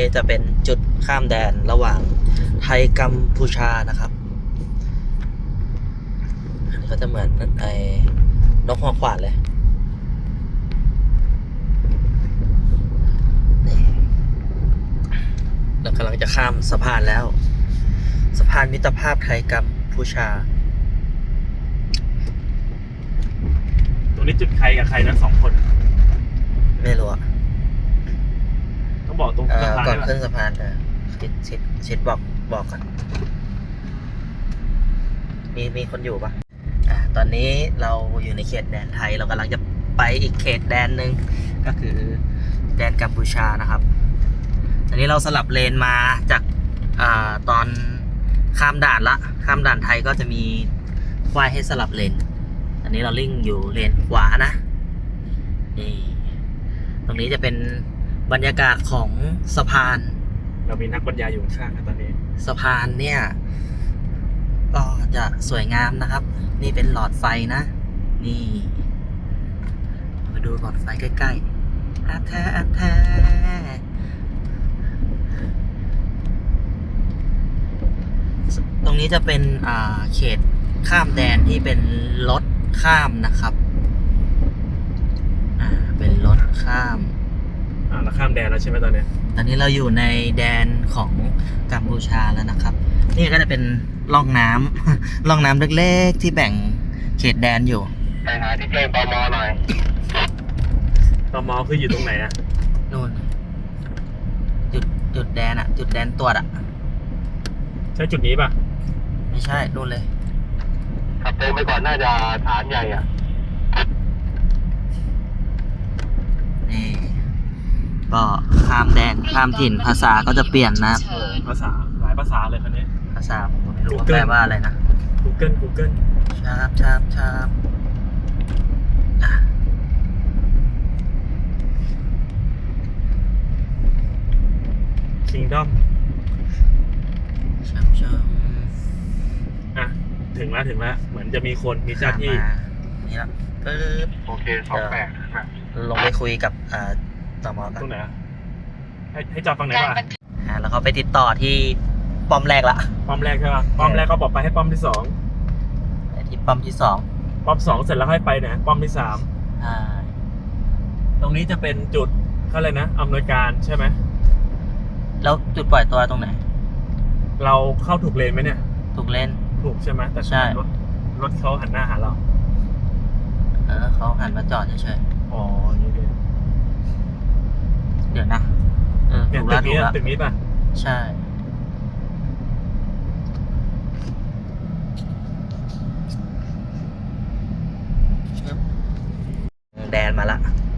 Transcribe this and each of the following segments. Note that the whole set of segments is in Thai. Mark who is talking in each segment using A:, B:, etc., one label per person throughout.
A: จะเป็นจุดข้ามแดนระหว่างไทยกัมพูชานะครับอันนี้ก็จะเหมือนไอ้นกหัวขวานเลยนี่เรากำลังจะข้ามสะพานแล้วสะพานมิตรภาพไทยกัมพูชา
B: ตรงนี้จุดใครกับใครนะ2 คน
A: ไม่รู้อะ
B: ต้องบอกตรงสะพาน
A: ก่อนขึ้นสะพานชิดบอกกันมีคนอยู่ปะตอนนี้เราอยู่ในเขตแดนไทยเรากำลังจะไปอีกเขตแดนหนึ่งก็คือแดนกัมพูชานะครับอันนี้เราสลับเลนมาจากตอนข้ามด่านไทยก็จะมีควายให้สลับเลนอันนี้เราลิ่งอยู่เลนขวานะนี่ตรงนี้จะเป็นบรรยากาศของสะพาน
B: เรามีนักบรรยายอยู่ข้างๆตอนนี้
A: สะพานเนี่ยก็จะสวยงามนะครับนี่เป็นหลอดไฟนะนี่มาดูหลอดไฟใกล้ๆแท้ตรงนี้จะเป็นเขตข้ามแดนที่เป็นรถข้ามนะครับเป็นรถข้าม
B: เราข้ามแดนแล้วใช่ไหมตอน
A: นี้เราอยู่ในแดนของกัมพูชาแล้วนะครับนี่ก็จะเป็นร่องน้ำ ร่องน้ำเล็กๆที่แบ่งเขตแดนอยู่
C: ไปหาที่แจ้งตม.หน่อย
B: ตม.คืออยู่ตรงไหนอะ
A: นู่นจุดแดนจุดแดนตรวจ
B: ใช่จุดนี้ป่ะ
A: ไม่ใช่นู่นเลย
C: ขับตรงไปก่อนน่าจะฐานใหญ่
A: นี่ก็ข้ามแดนข้ามถิ่นภาษาก็จะเปลี่ยนนะ
B: ภาษาหลายภาษาเลยคนนี้
A: ภาษาผมไม่รู้ว่าแปลว่าอะไรนะ
B: Google
A: ชาบ
B: Kingdom
A: ชาบ
B: ถึงแล้วเหมือนจะมีคนมีเจ้าที่
A: นี่ละปึ๊บ
C: โอเค28
A: ลงไปคุยกับตม.กัน
B: ตรงไหนให้จอดฝั่งไหนวะ
A: แล้วเขาไปติดต่อที่ป้อมแรกละ
B: ป้อมแรกใช่ป่ะป้อมแรกก็บอกไปให้ป้อมที่2
A: ที่ป้อมที่2
B: ป้อม2เสร็จแล้วให้ไปนะป้อมที่3ตรงนี้จะเป็นจุดเขาเลยนะอำนวยการใช่ไหม
A: แล้วจุดปล่อยตัวตรงไหน
B: เราเข้าถูกเลนไหมเนี่ย
A: ถูกเลน
B: ถูกใช่ไหมแต่
A: ใช่
B: รถเขาหันหน้าหาเรา
A: เขาหันมาจอดเฉย
B: ๆอ๋อนี่
A: เดี๋ยวนะ
B: ถูกตึกนี้ป่ะ
A: ใช่แดนมาละ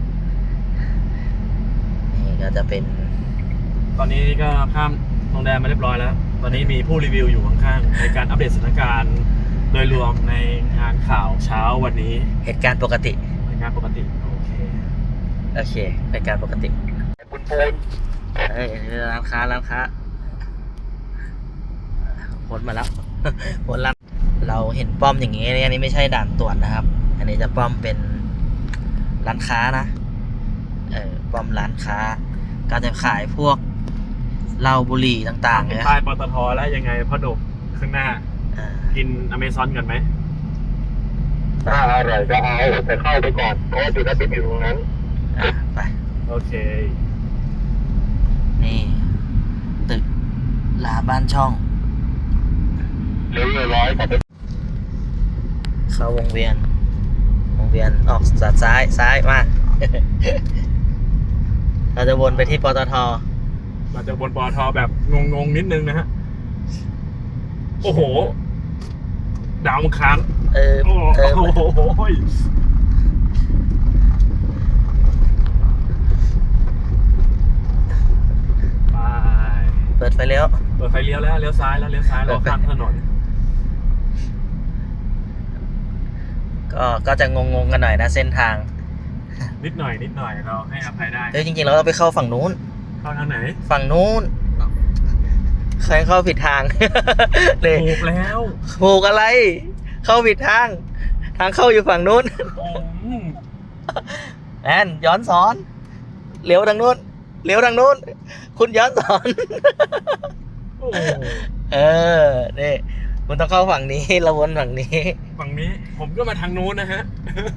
A: นี่ก็จะเป็น
B: ตอนนี้ก็ข้ามตรงแดนมาเรียบร้อยแล้วตอนนี้มีผู้รีวิวอยู่ข้างๆในการอัปเดตสถานการณ์โดยรวมในงานข่าวเช้าวันนี้
A: เหตุการณ์ปกติ
B: เหตุการณ์ปกติโอเค
A: เหตุการณ์ปกติ
C: ปูน
A: ร้านค้าพ้นมาแล้วพ้นแล้วเราเห็นป้อมอย่างนี้อันนี้ไม่ใช่ด่านตรวจนะครับอันนี้จะป้อมเป็นร้านค้านะป้อมร้านค้าก็จะขายพวกเหล้าบุหรี่ต่างๆ
B: เนี่ยป้ายปตทแล้วยังไงพ่อหนุ่มข้างหน้ากินอเมซอนกันไหม
C: ถ้าอร่อยก็เอาแต่เข้าไปก่อนเพราะว่าจุดนั้นอยู่ตรงนั้น
A: ไป
B: โอเค
A: นี่ตึกลาบ้านช่อง
C: เลี้ยวร้อยกลับไป
A: เข้าวงเวียนออกซ้ายมาเราจะวนไปที่ปตท
B: เราจะวนปตทแบบงงนิดนึงนะฮะโอ้โหดาวมังคารโอ้โห
A: เปิดไฟเลี้ยว
B: แล้วเลี้ยวซ้ายเราข้ามถนน
A: ก็จะงงกันหน่อยนะเส้นทาง
B: นิดหน่อยเราให้อภัยได้
A: จริงๆเราต้องไปเข้าฝั่งนู้น
B: เข้าทางไหน
A: ฝั่งนู้นใครเข้าผิดทาง
B: ถูกแล้ว
A: ถูกอะไรเข้าผิดทางเข้าอยู่ฝั่งนู้นแอนย้อนสอนเลี้ยวทางนู้นเลี้ยวทางนู้น คุณย้อนสอน
B: โอ้โห
A: เออนี่คุณต้องเข้าฝั่งนี้เราวนฝั่งนี้
B: ฝั่งนี้ผมก็มาทางนู้นนะฮะ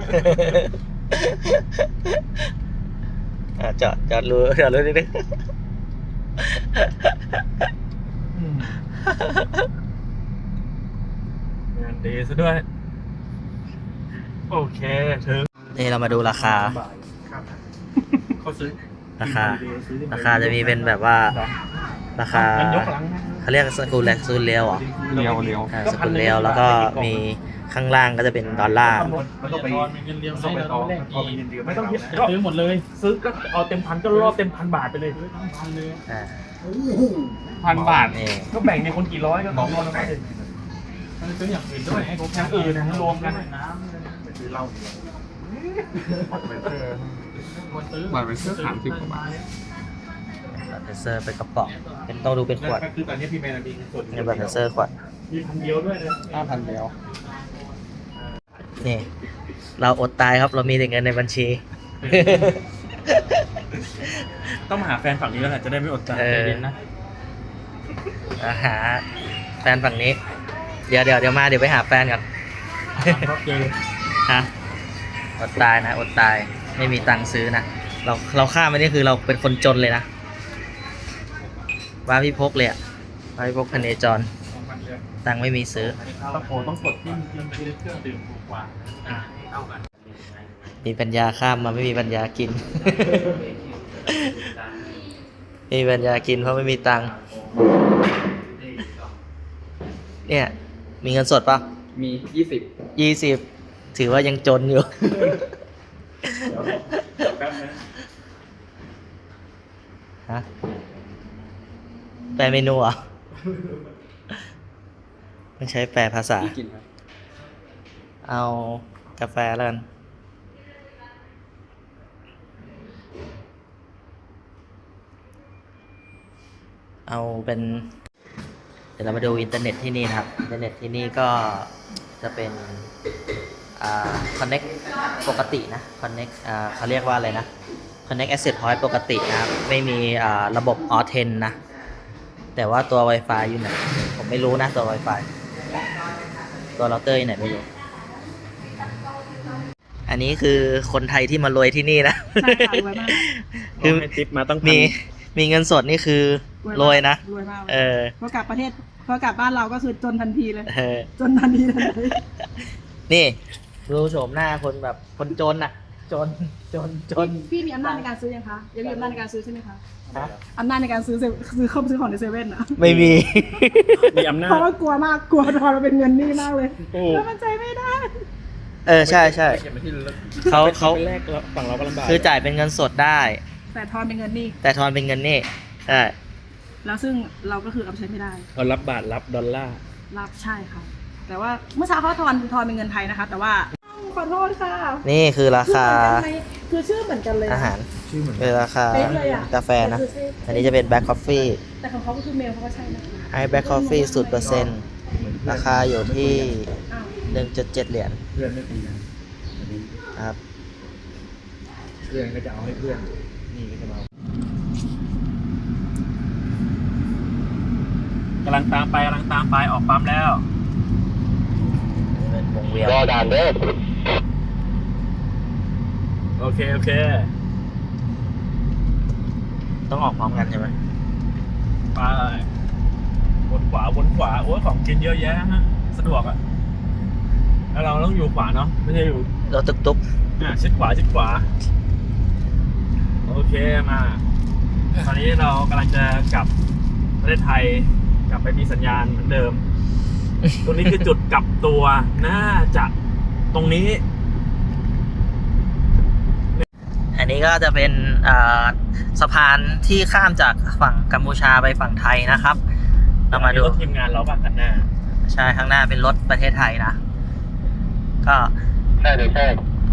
A: จอดรู้นิดนึง
B: งานดีซะด้วย โอเคถึง
A: นี่เรามาดูราคา
B: เขาซื้อ
A: ราคาจะมีเป็นแบบว่า ราคา
B: มันยกหลังนะ
A: เขาเรียกสกุลเลียวเหรอ
B: เรียว
A: สกุลเลียวแล้วก็มีข้างล่างก็จะเป็นดอลลาร์
B: มันต้องไปเงินเรียวต้องไปต่อไม่ต้องซื้อหมดเลย ซื้อก็เอาเต็มพันก็รอบเต็ม1,000 บาทไปเลยทั้งพันเลย
A: อ่า
B: 1,000 บาท
A: นี่
B: ก็แบ่งในคนกี่ร้อยก็200แล้วก็เด็ดมันซื้ออย่างอื่นด้วยให้ผมอย่างอื่นนะรวมกันน้ำไปซื้อเหล้า
D: บัตรไปซื้อ30 กว่าบาท
A: บัตรเทเซอร์เป็นกระป๋องเป็นต้องดูเป็นขวด
B: ก็คือตอนนี้พี่แมนมีส่วน
A: ในบัตรเทเซอร์ขวด
B: มี1,000 เดียวด้วยนะ
D: 5,000เดียว
A: นี่ เราอดตายครับเรามีแต่เงินในบัญชี
B: ต้องมาหาแฟนฝั่งนี้แล้วแหละจะได้ไม่อดใจ
A: เออ
B: ใจเย็นนะ
A: หาแฟนฝั่งนี้ เดี๋ยวมาเดี๋ยวไปหาแฟนก่อน
B: ก็เจอ
A: ฮะอดตายนะอดตายไม่มีตังค์ซื้อนะเราข้ามไปนี่คือเราเป็นคนจนเลยนะว่าพี่พกเลยอะว่าพี่พกพเนจรตังค์ไม่มีซื้อ
B: ตะโพต้องกดที่เครื่องดื่มถูกกว่าเท่ากัน
A: มีปัญญาข้ามมาไม่มีปัญญากิน ไม่มีปัญญากินเพราะไม่มีตังค์เนี่ยมีเงินสดปะ
D: มี
A: 20ถือว่ายังจนอยู่
B: แป๊บนะ
A: ฮะแปลเมนูเหรอไม่ใช้แปลภาษา
D: 20 กินครับ
A: เอากาแฟแล้วกัน เอาเป็น เดี๋ยวเรามาดูอินเทอร์เน็ตที่นี่นะครับ อินเทอร์เน็ตที่นี่ก็จะเป็นconnect ปกตินะ connect เขาเรียกว่าอะไรนะ connect access point ปกตินะครับ ไม่มีระบบ auth นะ แต่ว่าตัว Wi-Fi อยู่ไหน ผมไม่รู้นะตัว Wi-Fi ตัวเราเตอร์อยู่ไหนไม่รู้ อันนี้คือคนไทยที่มารวยที่นี่นะ
E: ใช่ค่ะรวยมาก
A: คือ
B: ให้ทิปมาตั้ง
A: มีเงินสดนี่คือรวยนะ
E: รวยมาก
A: เออ
E: พอกลับประเทศพอกลับบ้านเราก็คือจนทันทีเลย
A: เออ
E: จนทันทีเลย
A: นี่ดูโฉมหน้าคนแบบคนจนอ่ะ จน
E: พี่มีอำนาจในการซื้อยังคะยังมีอำนาจในการซื้อใช่ไหมคะ
A: ฮะ
E: อำนาจในการซื้อเข้าซื้อของในเซเว่นอะ
A: ไม่มี
B: มีอำนาจ
E: เพราะว่ากลัวมากกลัวทอนมาเป็นเงินนี่มากเลย
B: โอ้
E: แล้วมันใจไม่ได้
A: เออ ใช่
B: เก็บไปที่ระลึก
A: เขา
B: ไปแรกแล้วฝั่งเราก็ลำบาก
A: คือจ่ายเป็นเงินสดได้
E: แต่ทอนเป็นเงินนี่
A: แต่ทอนเป็นเงินนี่ใช่
E: แล้วซึ่งเราก็คือเอาไปใช้ไม่ได้
B: เรารับบาทรับดอลลาร์
E: รับใช่ค่ะ แต่ว่าเมื่อเช้าเขาทอนเป็นเงินไทยนะคะ แต่ว่าขอโทษค่ะ
A: นี่คือราคา
E: คือชื่อเหมือนกันเลย
A: อาหาร
B: ชื่อเหมือน
A: เป็นราคา
E: เป๊ะเลยอะ
A: กาแฟนะ อันนี้จะเป็นแบล็คคอฟฟี่
E: แต่ของเขาก็คือเมลเขาก็ใช่นะ
A: ไอแบล็คคอฟฟี่0%ราคาอยู่ที่
E: อ้าว
A: 1.7 เหรียญ
B: เพื่อนไม่ตีกัน
A: นะครับ
B: เพื่อนก็จะเอาให้เพื่อนนี่ก็จะมากำลังตามไปออกปั๊มแล้ว
A: นี่เป็นวงเวียน
C: รอด่านเด้อ
B: โอเค
A: ต้องออกพร้อมกันใช่ไหม
B: ไปวนขวาโอ้ยของกินเยอะแยะฮะสะดวกอ่ะแล้วเราต้องอยู่ขวาเนาะไม่ใช่อยู่
A: รถตุ๊ก
B: ชิดขวาโอเคมาตอนนี้เรากำลังจะกลับประเทศไทยกลับไปมีสัญญาณเหมือนเดิม ตรงนี้คือจุดกลับตัวน่าจะตรงนี้
A: อันนี้ก็จะเป็นสะพานที่ข้ามจากฝั่งกัมพูชาไปฝั่งไทยนะครับ เรามาดู
B: รถทีมงานเราบ้างกันหน้า
A: ใช่ข้างหน้าเป็นรถประเทศไทยนะ ก็
C: ใช่เลยใช่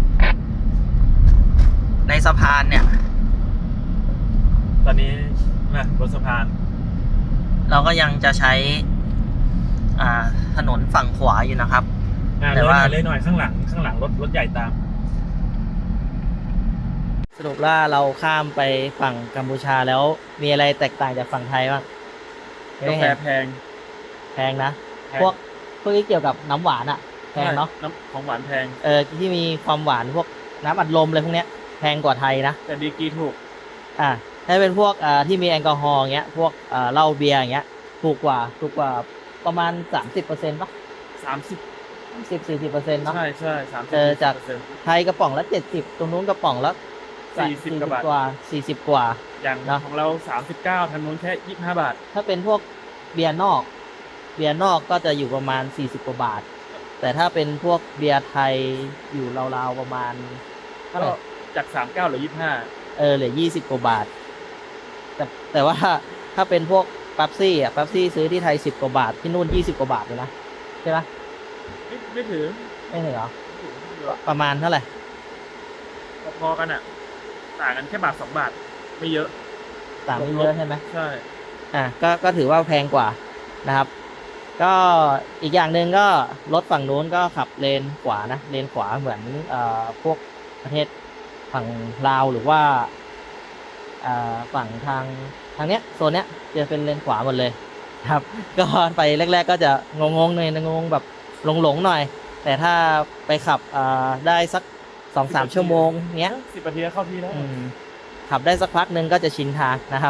A: ในสะพานเนี่ย
B: ตอนนี้บนสะพาน
A: เราก็ยังจะใช้ถนนฝั่งขวาอยู่นะครับ แต่ว่า
B: เลยหน่อยข้างหลังรถใหญ่ตาม
A: สรุปว่าเราข้ามไปฝั่งกัมพูชาแล้วมีอะไรแตกต่างจากฝั่งไทยบ้าง
B: กาแฟแพง
A: แพงนะ
B: แพง
A: พวกที่เกี่ยวกับน้ำหวานอะแพงเนาะ
B: น้ำของหวานแพง
A: ที่มีความหวานพวกน้ำอัดลมอะไรพวกเนี้ยแพงกว่าไทยนะ
B: แต่ดีกรีถูก
A: ถ้าเป็นพวกที่มีแอลกอฮอล์อย่างเงี้ยพวกเหล้าเบียร์อย่างเงี้ยถูกกว่าประมาณ 30%ป่ะ
B: 30
A: 10-40%เนาะ
B: ใช่ใช่
A: จาก
B: 30%
A: ไทยกระป๋องละ70ตรงนู้นกระป๋องละ
B: 40
A: กว่า40 กว่า
B: อย่าง
A: เนอะ
B: ของเรา 39ทางนู้นแค่ 25 บาท
A: ถ้าเป็นพวกเบียร์นอกก็จะอยู่ประมาณ40 กว่าบาท แต่ถ้าเป็นพวกเบียร์ไทยอยู่ราวๆประมาณเท่าไห
B: ก็
A: ร่
B: จาก 39เหลือ 25
A: เหลือ20 กว่าบาท แต่ว่าถ้าเป็นพวกปั๊บซี่ซื้อที่ไทย10 กว่าบาทที่นู่น20 กว่าบาทเลยนะใช่ไหม
B: ไม่ถึง
A: ไม่ถึงเหรอประมาณเท่าไหร่
B: พอๆกันอ่ะ ต่างกันแค่บาท 2 บาท ไม่เยอะ
A: ต่างไม่เยอะใช่ไหม
B: ใช่
A: ก็ถือว่าแพงกว่านะครับ ก็อีกอย่างหนึ่งก็รถฝั่งนู้นก็ขับเลนขวานะเลนขวาเหมือนพวกประเทศฝั่งลาวหรือว่าฝั่งทางเนี้ยโซนเนี้ยจะเป็นเลนขวาหมดเลยครับ ก็ไปแรกๆก็จะงงๆหน่อยงงแบบหลงๆหน่อย แต่ถ้าไปขับได้สัก 2-3 ชั่วโมงเนี้ย
B: 10 นาทีก็เข้าที่แล้ว
A: ขับได้สักพักหนึ่งก็จะชินทางนะครับ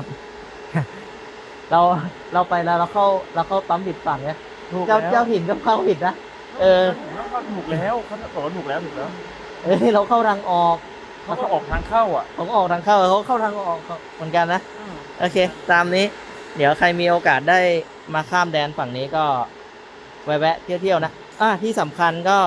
A: เราไปแล้วเราเข้าปั๊มผิดฝั่งเนี่ย
B: ถูกแล้ว
A: เจ้าถิ่นก็เข้าผิดนะ
B: ถูกแล้วเขาบอกว่าถูกแล้ว
A: เราเข้าทางออก
B: เขาก็ออกทางเข้าอ่ะ
A: ผมออกทางเข้าเขาเข้าทางออกเหมือนกันนะ โอเค ตามนี้ เดี๋ยวใครมีโอกาสได้มาข้ามแดนฝั่งนี้ก็แวะเที่ยวๆนะที่สำคัญก็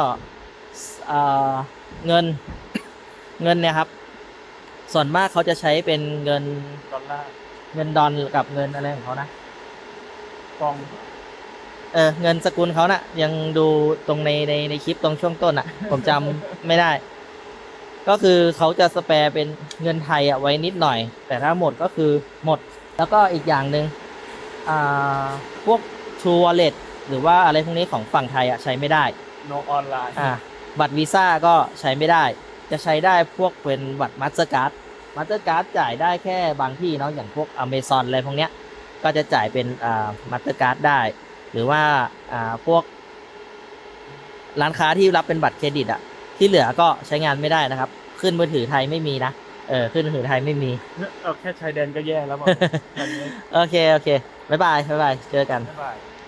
A: เงินเนี่ยครับ ส่วนมากเขาจะใช้เป็นเงิน
B: ดอลลาร์
A: เงินดอลกับเงินอะไรของเขานะ
B: ฟอง
A: เงินสกุลเขาน่ะ ยังดูตรงในคลิปตรงช่วงต้นอ่ะ ผมจำไม่ได้ ก็คือเขาจะสแปร์เป็นเงินไทยไว้นิดหน่อย แต่ถ้าหมดก็คือหมด แล้วก็อีกอย่างหนึ่งพวก True Wallet หรือว่าอะไรพวกนี้ของฝั่งไทยใช้ไม่ได้
B: โนออนไลน์
A: บัตรวีซ่าก็ใช้ไม่ได้ จะใช้ได้พวกเป็นบัตรมาสเตอร์การ์ดจ่ายได้แค่บางที่เนาะอย่างพวก Amazon อะไรพวกเนี้ยก็จะจ่ายเป็นมาสเตอร์การ์ดได้ หรือว่าพวกร้านค้าที่รับเป็นบัตรเครดิตที่เหลือก็ใช้งานไม่ได้นะครับ ขึ้นมือถือไทยไม่มีนะขึ้นมือถือไทยไม่มี
B: เอาแค่ชายแดนก็แย่แล้วบอก
A: โอเคบ๊ายบายเจอกัน
B: บ๊ายบาย